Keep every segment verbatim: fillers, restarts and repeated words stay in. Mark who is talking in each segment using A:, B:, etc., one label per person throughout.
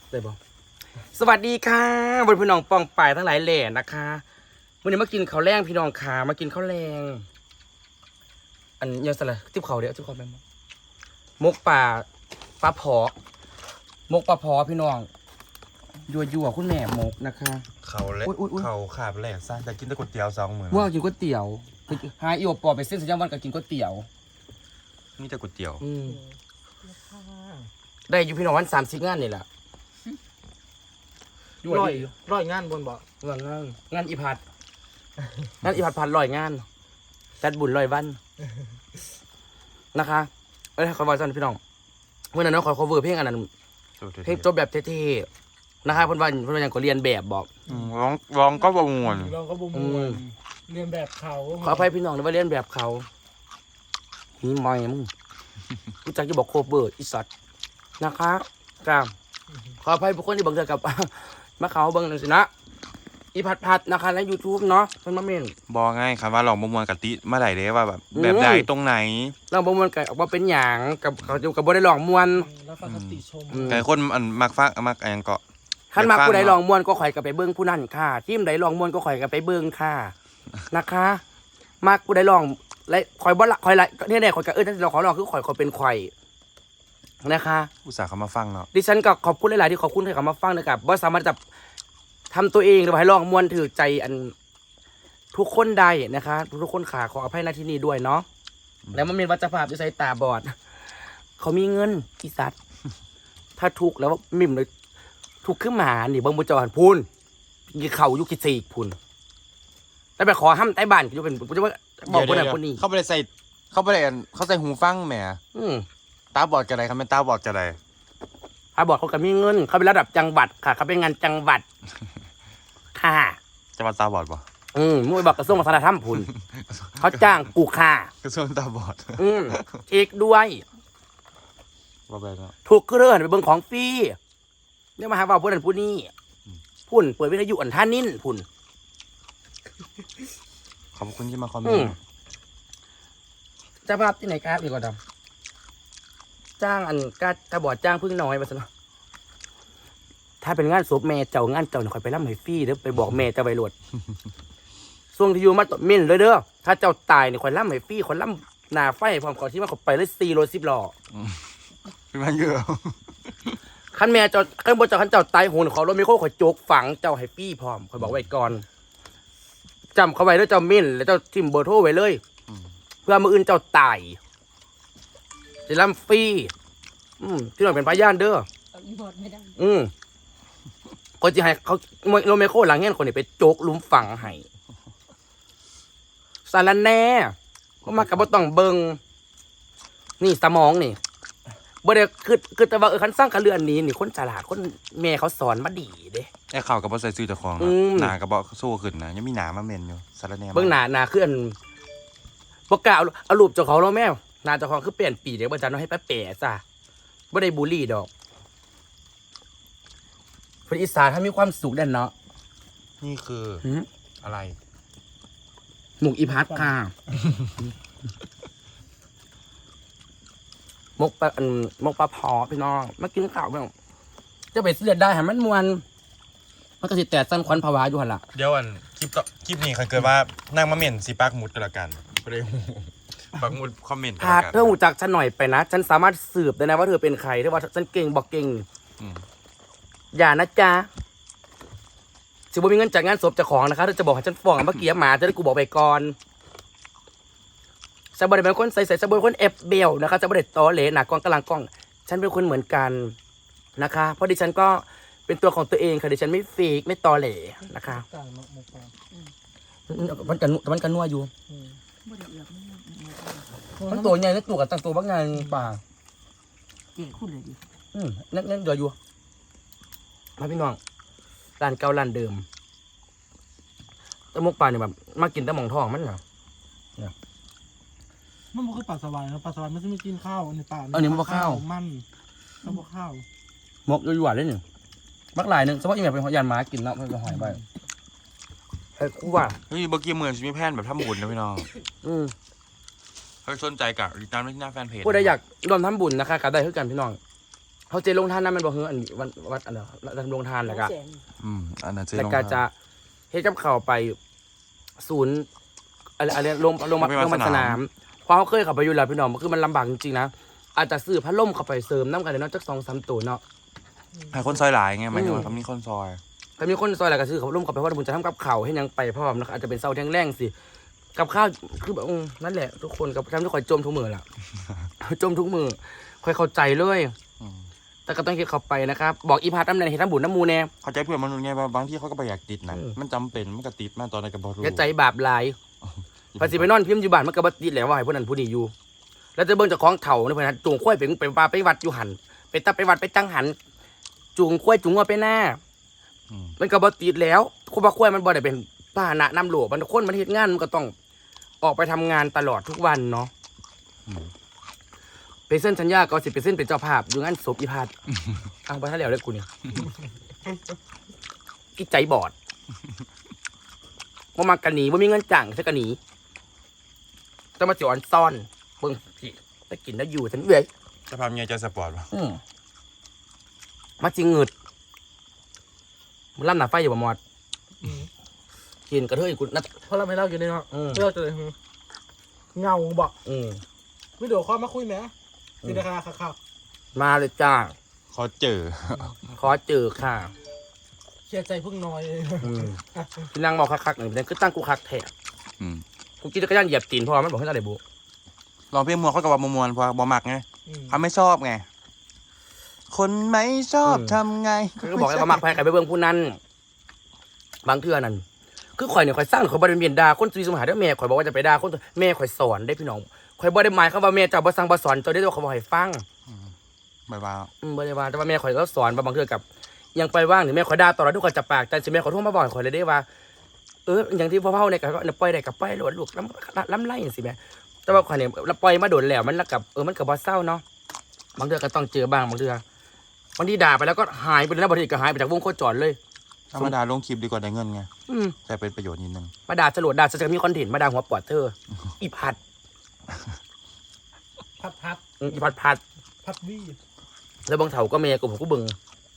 A: ได้บ่สวัสดีค่ะบนพี่น้องปองป่ายทั้งหลายแหล่นะคะวันนี้มากินข้าวแรงพี่น้องขามากินข้าวแรงอันยังสละจิ้มข้าวเดี๋ยวจิ้มข้าวแม่มกป่าปลาผอมกปลาผอพี่น้องยั่วยั่วคุณแม่มกนะคะ
B: เขาเล็กเขาขาบแหลกซะจะกินแต่ก๋วยเตี๋ยวสองหมื่น
A: เมื่อกินก๋วยเตี๋ยวหาอีโอปอไปเส้นสัญญาวันกับกินก๋วยเตี๋ยว
B: นี่แต่ก๋วยเตี๋ยว
A: อืมได้อยู่พี่น้องวันสามสิบงานนี่แหละ
C: ร้อยร้อยงานบนบ่
A: งานงานงานอีพัดงานอีพัดพันร้อยงานจัดบุญร้อยวันนะคะเอ้ยขอบอกสันพี่น้องเมื่อนั้นน้องขอ cover เพลงอันนั้นเพลงจบแบบเท่ๆนะคะเพื่อนวันเพื่อนวันยังก็เรียนแบบบอก
B: ร้องร้องก็บงวน
C: เราก็บ่มวนเรียนแบบเขา
A: ขออภัยพี่น้องนะว่าเรียนแบบเขานี่มอยมึงรู้จักจะบอก cover อีสัตว์นะคะกามขออภัยทุกคนที่บังเกิดกับมาเขาเบิ้งหนึ่งสินะอีพัดพัดนะคะใน ยูทูบ เนาะเพิ่นมาเมน
B: บอกง่ายครับว่าลองบงวนกับติเมื่อไหร่เด้ว่าแบบแบบใดตรงไหน
A: เราบ่มวนกันออกมาเป็นหยังกับเขาอยู่กับบ่ได้ลองมวน
C: แล้วฟังคติชม
B: แต่คนอันมักฟังมักอันก็
A: คันมักผู้ใดลองมวนก็ข่อยก็ไปเบิ่งผู้นั้นค่ะทีมใดลองมวนก็ข่อยก็ไปเบิ่งค่ะนะคะมักผู้ใดลองและข่อยบ่ละข่อยละเนี่ยๆข่อยก็เออถ้าเราขอลองคือข่อยข่อยเป็นข่อยนะคะ
B: อุตส่าห์เขามาฟังเนาะ
A: ดิฉันก็ขอบคุณหลายๆที่ขอบคุณที่เขามาฟังนะครับบ่สามารถจะทำตัวเองหรือให้ลองมวนถือใจอันทุกคนได้นะคะทุกคนขาขออภัยณที่นี้ด้วยเนาะแล้วมันเป็นวัจภาพที่ใส่ตาบอดเขามีเงินอีสัตว์ถ้าถูกแล้วมิ่มเลยถูกขึ้นมานี่เบิ้งบุจรพูนยีเข่ายุกิสีพูนแต่ไปขอห้ามใต้บ้านก็จะเป็นจะว่าบอกคนนั้นคนนี้
B: เขาไปใส่เขาไปเขาใส่หูฟังแหมตาบอดกันไรครับเป็นตาบอดกันไร
A: ตาบอดเขาก็มีเงินเขาเป็นระดับจังหวัดค่ะเขาเป็นงานจังหวัดค่ะ
B: จังหวัดตาบอดป่ะ
A: อืมมึงไปบอกกระทรวงวัฒนธรรมพูนเขาจ้างกูค่ะ
B: กระทรวงตาบอด
A: อืมเอกด้วย
B: ว่าไปแล้ว
A: ถูกเรื่อนไปเบิ่งของฟรีเนี่ยมาหาว่าผู้นั้นผู้นี้พุ่นเปิดวิทยุอันท่านิ่นพุ่น
B: ขอบคุณที่มาคอมเมนต์
A: จะภาพที่ไหนครับนี่ก็ดำจ้างอันกาตาบอดจ้างพึ่งน้อยมาซะเนาะถ้าเป็นงานศพแม่เจ้างานเจ้าเนี่ยคอยไปรับให้ฟรีเด้อไปบอกแม่เจ้าไปรวดส่วงที่อยู่มาตมินเลยเด้อถ้าเจ้าตายเนี่ยคอยรับให้ฟรีคอยรับหน้าไฟพร้อมขอที่มาขอไปเลยสี่รถสิบล้อ
B: เป็นมาเยอะ
A: ขั้นแม่เจ้าขั้นบนเจ้าขั้นเจ้าตายโหนขอรถไม่โค้ขอโจกฝังเจ้าให้ฟรีพร้อมคอยบอกไว้ก่อนจำเขาไว้แล้วเจ้ามินแล้วเจ้าทิมเบอร์โทรไว้เลยเพื่อมืออื่นเจ้าตายจะรับฟรีอืมที่หน่อยเป็นพยานเด้ออืมคนที่ให้เขาโรเมโคหลังเงี้ยคนนี้ไปโจกลุมฝังให้สารแน่ก็มากับบ่ต้องเบิงนี่สมองนี่บ่ได้คือคือแต่ว่าเออคันสร้างกระเรือนนี้นี่คนฉลาดคนแม่เขาสอนมาดีเด้
B: ไอ้ข่าวกับบ่ใส่ซื้อเจ้าของนะหนากับบ่สู้ขึ้นนะยังมีหนามาเมนอยู่สารแน่
A: เบิ่งหนาหนาคืออันบ่กล้าเอารูปเจ้าของเราแม่หน้าเจ้าของคือเปลี่ยนปีเดี๋ยวบ่จันเอาให้ป้าแป๋จ้ะบ่ได้บูลลี่ดอกคนอีสานถ้ามีความสุขแน่นเนาะ
B: นี่คืออะไร
A: หมูกอีพัดค่ะมกปลาอันมกปลาพอพี่น้องมากินข้าวบ้างจะไปเสียดได้หันมันมวนมันก็สิแต่สั้นควันภาวะอยู่หันละ
B: เดี๋ยวอันคลิปต่อคลิปนี้เขาเกิดว่านั่งมาเม่นสีปักหมุดกันละกันไปเลยปักหมุดคอมเมนต์
A: หากเธอหูจักฉันหน่อยไปนะฉันสามารถสืบได้นะว่าเธอเป็นใครถ้าว่าฉันเก่งบอกเก่งอย่านะจ๊ะสิบ่มีเงินจากงานศพเจ้าของนะคะถ้าจะบอกให้ฉันฟ้องเมื่อกี้หมาจะได้กูบอกไปก่อนฉันบ่ได้เป็นคนใส่ใส่ฉันเป็นคนเอฟเบลนะคะฉันบ่ได้ตอเหลหนักกล้องกำลังกล้องฉันเป็นคนเหมือนกันนะคะเพราะดิฉันก็เป็นตัวของตัวเองค่ะดิฉันไม่ฟีกไม่ตอเหลนะคะมันกันมันกันนัวอยู่มันตัวใหญ่แล้วตัวกับตั้งตัวบ้างไงป่า
D: เจ๋งคุณเลยดิ
A: อืมนั่นนั่นเดือดอยู่มาพี่น้องร้านเก่าร้านเดิมตะมกปลาเนี่ยแบบมากินตะหม่องทองมันเหรอเนี่ย
C: มันมันคือปลาสวายนะปลาสวายมันจะไม่กินข้าวในป่า
A: อันนี้มันข้าว
C: มันแล้วพวกข้าว
A: มกอยู่หวานเลยเนี่ยมักหลายหนึ่งสมมติอย่างเป็นยานม้ากินแล้วมันจะหายไปไอ้คู่ว่า
B: เฮ้ยเมื่อกี้เหมือนจะมีแพนแบบทำบุญนะพี่น้อง
A: อืม
B: ถ้าสนใจกับติดตามที่หน้าแฟนเพจ
A: ผู้ใดอยากร่วมทำบุญนะคะกับได้เท่ากันพี่น้องเขาเจลงทานนั่นมันบอกเฮ้ยอันวันวัดอันเดียวเราทำลงทานแล้วก็
D: แสน
B: อืมอันนั้นเจ๊
A: แล้ว
B: ลง
A: ก็
B: มา
A: จะเฮ็ดกับเขาวไปศูนย์อะไรอะไรลงลงมา
B: ไป
A: ล
B: วัด
A: งมา
B: ส
A: ส
B: นาม
A: นามเพราะเขาเคยเข้าไปอยู่แล้วพี่น้องคือมันลำบากจริงๆนะอาจจะซื้อพัดลมเข้าไปเสริมน้ำกันเลยเนาะจักสองสามตัวเนาะ
B: ให้คนซอยหลายไงหมายถึงว่าเขามีคนซอย
A: ถ้ามีคนซอยอะไรก็ซื้อเขาวร่มเข้าไปเพราะว่าผมจะทำกับข้าวให้ยังไปพร้อมนะครับอาจจะเป็นเสาแท่งแรงสิกับข้าวคือแบบอืมนั่นแหละทุกคนกับทำทุกคนจมทุกมือแหละ จมทุกมือค่อยเข้าใจเลย
B: อืม
A: แต่ก็ต้องคิดเข้าไปนะครับบอกอีพาร์ตน้ำแดงเห็นน้ำบุญน้ำมูแน่
B: เข้าใจเพื่อนมนุษย์ไงว่าบางที่เขาก็ไปอยากติดนะ
A: อืม
B: มันจำเป็นมันก็ติดมาตอนในกับบอรู้
A: อย่าใจบาปหลายภาษีไปนอนพิมพ์อยู่บ้านมันก็บ่ติดแหล้วว่าให้พวกนั้นผู้นี้อยู่ แล้วจะเบิ่งเจากของเถ่าในพนันจูงข้อยไปไปปลาไปวัดอยู่หันไปตับไปวัดไปจังหันจูงข้อยจูงงัวไปหน้า
B: อืม
A: มันก็บ่ติดแล้วคุณว่าข้อยมันบ่ได้เป็นพาหนะนำโลกมันคนมันเฮ็ดงานมันก็ต้องออกไปทำงานตลอดทุกวันเนาะ
B: อืม
A: ไปเส้นสัญญาก็สิไปเส้นเป็นเจ้าภาพอยู่งานศพอีพาดเอาไปถ้าแล้วเลยกูนี่อีใจบอดว่ามากันหนีว่ามีเงินจ่างใช่กันหนีต้องมาเสียอ่อนซ่อนเบิ่งพี่ไปกินแล้วอยู่ฉันเว้ย
B: จะพาเมียใจสปอร์ตป่ะ
A: อืมมาจริงเงิดมึงล่ำหนาไฟอยู่บ่หมอด
C: อืม
A: กินกระเทยกูนัด
C: เพราะเราไม่เล่าอยู่ในเนาะ
A: อืม
C: เล่าจะเลยเงาบอก
A: อืม
C: วิดีโอคอลมาคุยไหมสิราคาค่ะค่ะ
A: มาเลยจ้า
B: เขาเจอ
A: ขอเจอค่ะ
C: เคลียร์ใจเพิ่งน้อย
A: อืมพี่นางบอกคักๆหนึ่งเป็นคือตั้งกูคักแท้
B: อืม
A: กูกินจักรยานเหยียบตีนเพราะว่ามันบอกให้อะไรบุ
B: ลองเพลงมัวเขากับว่ามวนเพราะบอมักไง
C: อืม
B: เขาไม่ชอบไง คนไม่ชอบทำไง
A: ก็บอกให้มามักแพ้กันไปเบิ่งผู้นั้น บางเทื่อนั่นคือข่อยเนี่ยข่อยสร้างข่อยบ่ได้เมียนด่าคนซีสมหาเด้อแม่ข่อยบอกว่าจะไปด่าคนแม่ข่อยสอนได้พี่น้องข่อยบ่ได้หมายคำว่าแม่เจ้าบ่สั่งบ่สอนเจ้าได้ตัวเขาบ่ให้ฟัง
B: บายบาย
A: อืมบ่ได้ว่าแต่ว่าแม่ข่อยก็สอนว่าบางเทื่อกับยังไปว่างนี่แม่ข่อยด่าตลอดทุกคนจะปากแต่สิแม่ข่อยโทรมาบอกข่อยเลยได้ว่าเอออย่างที่พ่อเฒ่าเนี่ยก็ปล่อยได้ก็ปล่อยโลดลูกล้ำล้ำไล่จังซี่แม่แต่ว่าข่อยเนี่ยปล่อยมาโดนแล้วมันกับเออมันก็บ่เศร้าเนาะบางเทื่อก็ต้องเจอบ้างบางเทื่อบางทีด่าไปแล้วก็หายไปเลยนะบางทีก็หายไปจากวงโคจรเลย
B: ธรรมดาลงคลิปดีกว่าได้เงินไง
A: อืม
B: แต่เป็นประโยชน์นิดนึง
A: มาด่าสลดด่าจะมีคอนเทนต์มาด่าหัวปอดเธอ อีพัด
C: พัดพัด
A: อืมอีพัดพัด
C: พัดวี่
A: แล้วบางเถาก็เมียกูผมก็เบึง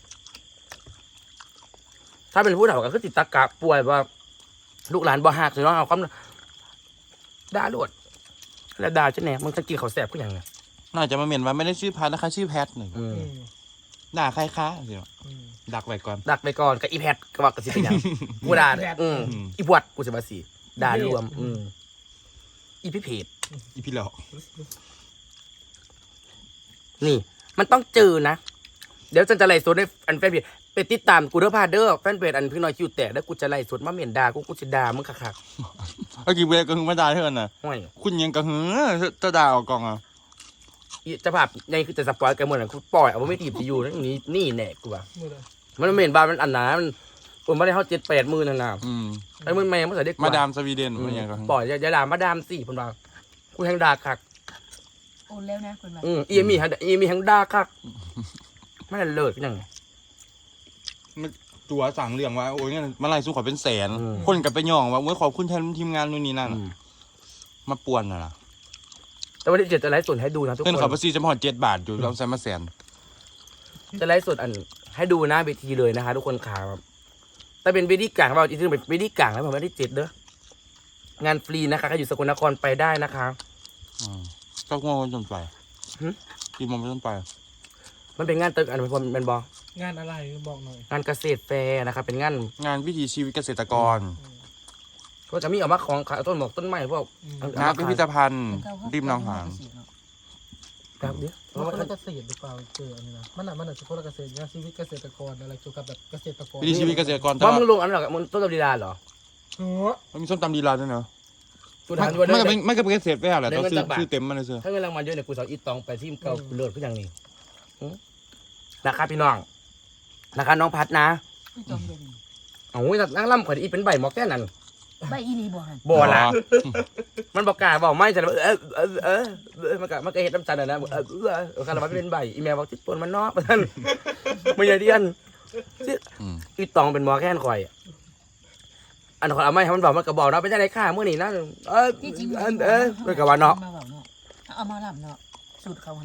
A: ถ้าเป็นผู้เฒ่าก็คือติดตะกะป่วยว่า ลูกหลานบ่หักเลยเนาะเอาความด่าโลดแล้วด่าจะแหน่มึงจะกินข้าวแสบก็ยังไง
B: น่าจะมาเมียนว่าไม่ได้ชื่อพัดนะคะชื่อแพทหนึ่ง
A: อืม
C: อืม
B: ด่าใครคะสิ
C: อืม
B: ดักไว้ก่อน
A: ดักไปก่อนกับอีแพดก็ว่ากระสิเป็นหยังกูด่า
C: อีแพด
A: อืม
B: อืม
A: อีบวดกูสิบาสีด่ารวม อืมอีพิเพจ
B: อีพี่หลอก
A: นี่ มันต้องเจอนะ เดี๋ยวฉันจะไล่สดในอันแฟนเพจไปติดตามกูเด้อพาเด้อแฟนเพจอันพี่น้อยคิวแตกแล้วกูจะไล่สดมาเหม็นด่ากูกูจะด่ามึงคัก
B: เมื่อกี้เวลก็คือมาด่าเท่านั้นน่ะ
A: ๆห้อย
B: คุณยังกระหือจะด่าออกกองอ่ะ
A: อีเจะภาพในคือจะสปอยกันหมดอ่ะกูปล่อยเอาไว้ไม่ตีบจะอยู่นั่นนี่นี่แน่กูว่า
C: มือเลย
A: มันเหม็นบานมันอันหนามันผมไม่ได้เขาเจ็ดแปดมือนั่นน่ะ
B: อืม
A: ไอ้มือแม่มันใส่ได้กว่า
B: มาดามสวีเดน
A: อืม
B: มันยังกระหือ
A: ปล่อยอย่าอย่าด่ามาดามสี่ผมว่ากูแทงด่าคัก
D: โอนแล้วนะคุณว่า
A: อืมอีมีทั้งอีมีทั้งด่าคักไม่ได้เลิศเป็นยังไง
B: มันตัวสั่งเรื่องว่าโอ้ยเนี่ยมาไล่สู้ขอเป็นแสน
A: อืม
B: คนกับไปย่องว่าโอ้ยขอบคุณแทนทีมงานนู่นนี่นั่น
A: อืม
B: มาป่วนน่ะนะ
A: แต่วันที่เจ็ดจะไลฟ์สดให้ดูนะทุก
B: เงิน
A: ค
B: เขา
A: น
B: ไปซีจะมาหอดเจ็ดบาทอยู่เราใส่มาแสน
A: จะไลฟ์สดอันให้ดูหน้าเวทีเลยนะคะ ทุกคนขาแบบแต่เป็นเวทีกลางเราจริงๆเป็นเวทีกลางแล้วผมไม่ได้เจ็ดเด้องานฟรีนะคะใครอยู่สกลนครไปได้นะคะ
B: อืมก็งงจนไป
A: หึ
B: กี่โมงจนไป
A: มันเป็นงานตึกอันเป็นเป็นบอง
C: านอะไรบอกหน่อย
A: งานเกษตรแฟร์นะครับเป็นงาน
B: งานวิถีชีวิตเกษตรกร
A: ก็จะมีเอามาของขายต้นหมอกต้นไม้พวก
C: อืม
A: เอา
B: งานพิพิธภัณฑ์ริมหนองหาน
A: ครับเดี๋ยว
C: เพราะว่าเกษตรหรือเปล่าเจออันนี้นะมันอ่ะมันอ่ะเฉพาะเกษตรงานชีวิตเกษตรกรอะไรเกี่ยวกับแบบเกษตรกร
B: วิถีชีวิตเกษตรกรแต่
A: ว่า
B: ว่า
A: มึงลงอันนั้นเหรอมึงต้นตำดีดาเหรอ
C: หัว
B: มันมีส้มตำดีลาด้วยเนาะ
A: กู
B: มั
A: ถาม
B: น
A: ด้วย
B: มันก็
A: เด้
B: เป็น
A: อ
B: มันก็เป็นเกษตรไปแหละ
A: ได้
B: ต้อง
A: เงิน
B: ซื้อ
A: จากบาท
B: ซื้อเต็มมาเลยเสือ
A: ถ้าเงินรางวัลเยอะเนี่ยกูสอนอีตองไปที่เก่ากูเลิศขึ้นอย่างนี้หึนะครับพี่น้องนะคะน้องพัดนะ
D: คือจมเด่น
A: โอ้ยนั่งล่ำข่อยอีเป็นใบหมอกแค่นั้น
D: ใบอีนีบ่หัน
A: บ่ละมันบอกกล้าบอกไม่จะเออเออเออเออมันก็มันก็เห็ดน้ำจันทร์นะเออเออเออคาราบาเป็นใบอีเมลบอกที่ปนมันนอกมันไม่ใช่เดียน
B: อืม
A: อีตองเป็นหมอแค่นข่อยอันข่อยเอาไม่ให้มันบอกมันก็บอกเนาะเป็นจังได๋ค่ามื้อนี้นะเออ
D: ที่จริง
A: เออเออมันก็ว่าเนาะ
D: มาเว้าเนาะเอามาลำเนาะสูตรเขาขนาด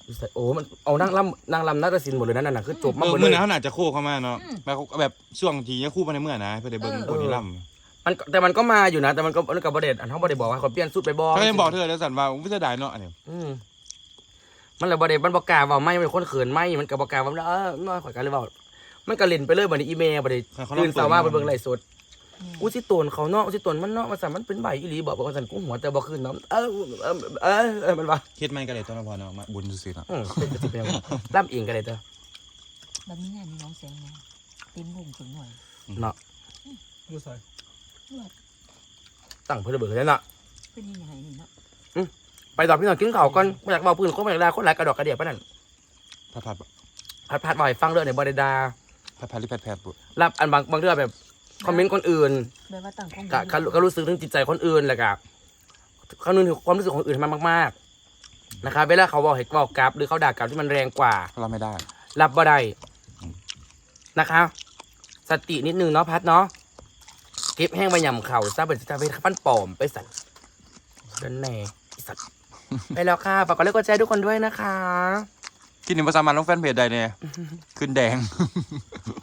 A: โอ้มันเอานั่งลำนั่งลำนาฏศิลป์หมดเลยนั่นน่ะคือจบมา
B: เอ
A: หม
B: อ
A: ดเล
B: เมื่อย นั้นเขาน่าจะโค้เข้ามาเนาะแบบแบบช่วงที่ยังคู่มาในเมื่อนะเพื่อได้เบิ่งคนที่ล่ำ
A: มันแต่มันก็มาอยู่นะ แต่มันก็มันกับประเด็นอันเขาประเด็นบอกว่าเขาเปลี่ยนสุดไปบอก
B: เขายังบอกเธอแล้วสันว่าวิจารณ์เนาะอันนี้
A: อืมมันเลยประเด็นมันบอกกล้าว่าไม่เป็นคนเขินไม่มันกับบอกกล้าว่าเออน้อยข่อยกันเลยบอกมันก็เล่นไปเลยบัดนี้อีเมลบัดนี้ตื่นสาวว่าไปเบิ่งไลฟ์สดอุสิตนเขาเนาะอุสิตนมันเนาะมันสามมันเป็นใบอีหลีบอกว่าสันกุ้งหัวแต่บ่ขึ้นเนาะเออเออเออเออมันว่า
B: คิดไม่ก็เลยต้นพอเนาะมาบุญซื่อๆเนาะ
A: อืมเป็นสิเป็นล่ำเองก็ได้เด้อ
D: แบบนี้เนี่ยมีน้องแสงไงเต็มวงถึงหน่อย
A: เนาะ
C: ดูใส่
A: ตั้งเพื่อเบิกเลยเนาะ
D: เป็นยังไงนี่เนาะ
A: ไปต่อพี่น้องกินข้าวก่อนไม่อยากเบาปืนคนไม่อยากด่าคนหลายกระดอกกระเดียบปะนั่น
B: พัดพัด
A: พัดพัดบ่อยฟังเรื่องในบริดา
B: พัดพัดหรือพัดแพดปุ๊บ
A: รับอันบางบางเรื่องแบบคอมเมนต์คนอื่น
D: แบบว่าต่างข้อง
A: ก็ก็ก็รู้สึกถึงจิตใจคนอื่นแหละกับเขานึกถึงความรู้สึกของคนอื่นให้มันมากๆนะครับเวลาเขาบอกให้บอกกลับหรือเขาด่ากลับที่มันแรงกว่า
B: เราไม่ได้
A: รับบ่ได้นะคะสตินิดนึงเนาะพัดเนาะเก็บแห้งไปยำเข่าซะเป็นจะไปฟันปลอมไปสัตว์กันแน่ไอ้สัตว์ ไปแล้วค่ะฝากกดไลค์กดแชร์ทุกคนด้วยนะคะ
B: กินหนึ่งภาษามันลงแฟนเพจใดเนี่ยขึ้นแดง